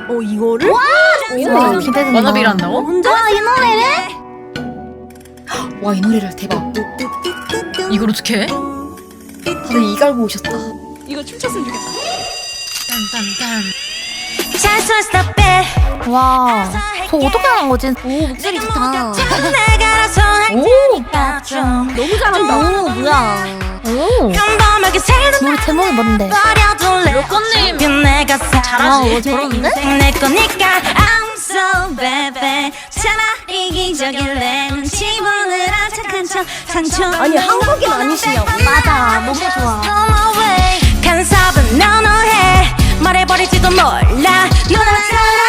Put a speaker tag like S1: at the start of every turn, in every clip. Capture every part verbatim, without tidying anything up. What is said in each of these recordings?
S1: 어 이거를?
S2: 와
S3: 기대된다.
S4: 워너비를 한다고?
S1: 혼자?
S2: 와 이 노래를?
S3: 와 이 노래를 대박.
S4: 이걸 어떻게 해?
S3: 다들 이 갈고 오셨다.
S1: 이거 춤췄으면 좋겠다.
S4: 딴딴딴.
S2: 와, 저 어떻게 하는 거지? 오, 목소리 좋다.
S3: 오.
S1: 너무 잘한다.
S2: 오, 뭐야?
S3: 오.
S2: 노래 제목이 뭔데?
S4: 로꼬님
S2: 아,
S4: 잘하지?
S2: 어, 저런데?
S5: 내 거니까 I'm so bad 차라리 기적일래 눈치 보느라 착한 척 상처
S1: 아니 한국인 아니시냐고.
S2: 맞아, 너무 좋아.
S5: 간섭은 너너해 말해버릴지도 몰라 누나처럼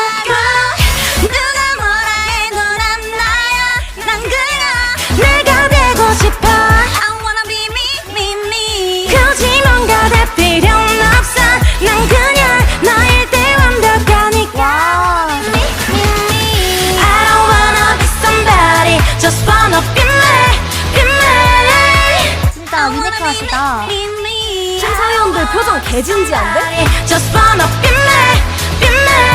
S5: 누가 뭐라 해도 난 나야 난 그냥 내가 되고 싶어 I wanna be me me me 굳이 뭔가 될 필요는 없어 난 그냥 너일 때 완벽하니까 me me me I don't wanna be somebody just wanna be me be me
S2: 진짜 유니크하시다.
S1: 심사위원들 표정 개진지한데?
S5: Just wanna be me, be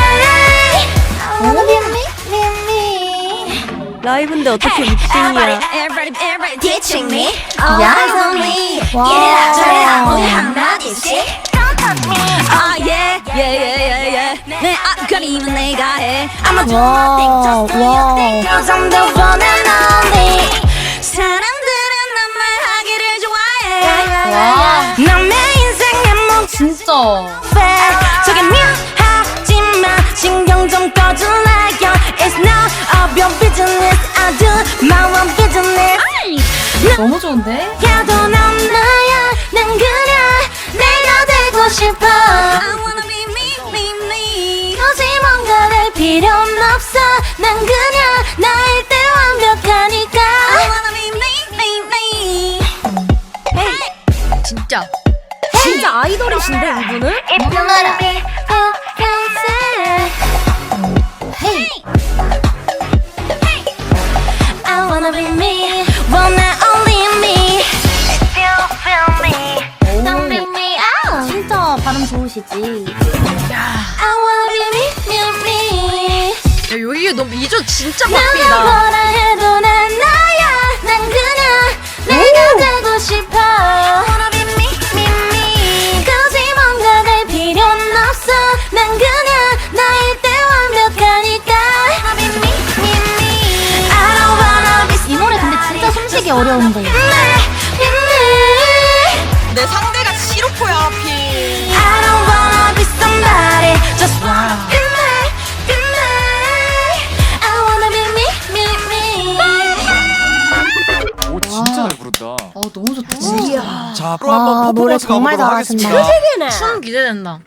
S5: me.
S1: 라이브인데 어떻게
S5: Everybody,
S1: 립싱이야?
S5: everybody, everybody teaching me.
S2: 야.
S5: Eyes on me.
S2: 와.
S5: Yeah, 저래라 우리 한마디씩. Don't touch me. Ah yeah, yeah, yeah, yeah, yeah. 내 앞가림은 내가 해. I'ma do my thing, just do your thing. Cause I'm the one and only. 사람들은 난 말하기를 좋아해.
S3: 와.
S5: 난 내 인생의 목
S3: 진짜.
S5: 저게 미워하지마 신경 좀 꺼줄래요 It's none of your business I do my own business
S3: 너무 좋은데?
S5: 야도 난 나야 난 그냥 내가 되고 싶어 I wanna be me me me 굳이 뭔가 될 필요는 없어 난 그냥 나일 때 완벽하니까 I wanna be me me me
S4: 진짜.
S1: 진짜 아이돌이신데 이분은?
S2: 헤이.
S5: I wanna be me, wanna only me. If you feel me, don't leave me out.
S2: 진짜 발음 좋으시지.
S5: I wanna be me, me, me.
S4: 야 여기 너무 이조 진짜
S5: 누가
S4: 바뀌다.
S5: 뭐라 해도 난 나야. 난 그냥 내가 되고 싶어. I wanna be me, me, me. 굳이 뭔가 될 필요는 없어. 난 그냥 나일 때 완벽하니까. I wanna be me, me, me. I don't wanna be
S2: 이 노래 근데 진짜 숨쉬기 어려운데.
S4: 내 상대가 시로포야 하필.
S5: I don't wanna be somebody, just wanna be me, be me. I wanna be me, me, me.
S6: 오 진짜 잘 부른다.
S3: 아 너무 좋다. 진짜.
S6: 자, 앞으로 한번
S2: 와, 노래
S6: 퍼포먼스
S2: 정말
S6: 가보도록
S2: 잘하신다.
S6: 하겠습니다.
S1: 세계네.
S4: 춤 기대된다.